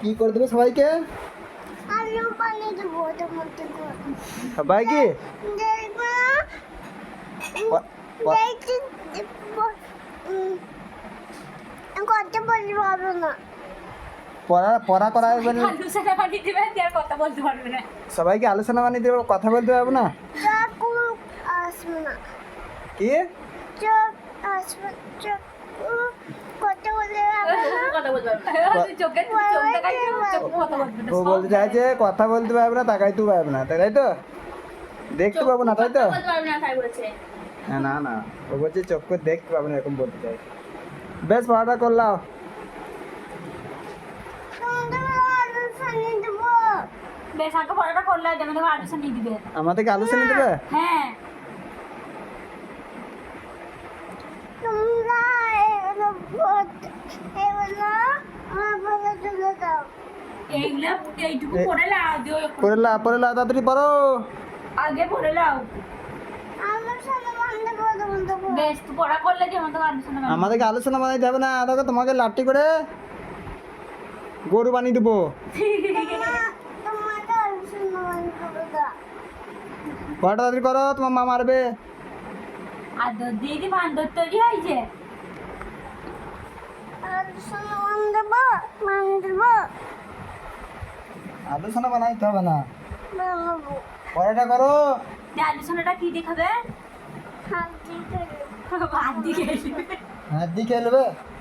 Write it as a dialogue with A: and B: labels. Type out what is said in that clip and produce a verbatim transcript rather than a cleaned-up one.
A: কি করে দেবে সবাইকে?
B: আলু পানি দেবো ওদের মধ্যে করে।
A: সবাইকে
B: দেখবো
A: প- প-
B: দেখছি উম, কথা বলতে পারবো না।
A: পড়া পড়া করাবে না,
C: আলোচনা বানিয়ে দিবে আর কথা বলতে পারবে না।
A: সবাইকে আলোচনা বানিয়ে দেবে, কথা বলতে পারবে না।
B: চাকু আসবে না,
A: কি
B: চোখ আসবে, চোখ কথা বলতে পারবো না।
C: কথা বলতে পারবে না। তুই চোখে চোখ দেখাই দিবি, চোখ কথা বলবে না।
A: ও বলতে চাইছে কথা বলতে পারবে না, তাকাইতে পারবে না, তাই তো? দেখতে পাবো না, তাই তো?
C: কথা বলতে পারবে না তাই বলছে।
A: হ্যাঁ, না না, ও বলছে চোখ করে দেখতে পাবো না, এরকম বলতে চাই। বেশ, পড়াটা করলাম।
B: সন্ধ্যাবেলা আলু পানি দেবো।
C: বেশ আগে পড়াটা করলে যেমন তোমার আলোচনা নিয়ে দিবে।
A: আমাদেরকে আলোচনা দেবে?
C: হ্যাঁ
B: তোমরা এগুলো পড়তে- এগুলো আমার বলে তুলে দাও।
C: এইগুলা এইটুকু পড়ে লাও দিও,
A: পড়ে লা পড়ে লা তাড়াতাড়ি পড়ো।
C: আগে পড়ে লাও।
B: আলোচনা বন্ধ করে বন্ধ করে।
C: বেশ তুই পড়া করলে যেমন তোমার আলোচনা বানিয়ে
A: আমাদেরকে আলোচনা বানাইতে হবে না, দেখো তোমাকে লাঠি করে গরু বানিয়ে দেবো।
B: তোমার- তোমাকে আলোচনা বন্ধ করে দাও।
A: পড়াটা তাড়াতাড়ি করো, তোমার মা মারবে।
C: আদর দিয়ে কি বান্দর তৈরি হয়েছে?
B: আলোচনা বন্ধ দেবো, মান দেবো,
A: আলোচনা বানাইতে হবে না,
B: বানাবো।
A: পড়াটা করো।
C: যে আলোচনাটা কি দেখাবে?
B: হাত দিয়ে দেবো।
C: বাদ দিয়ে
A: হাত দিয়ে খেলবে।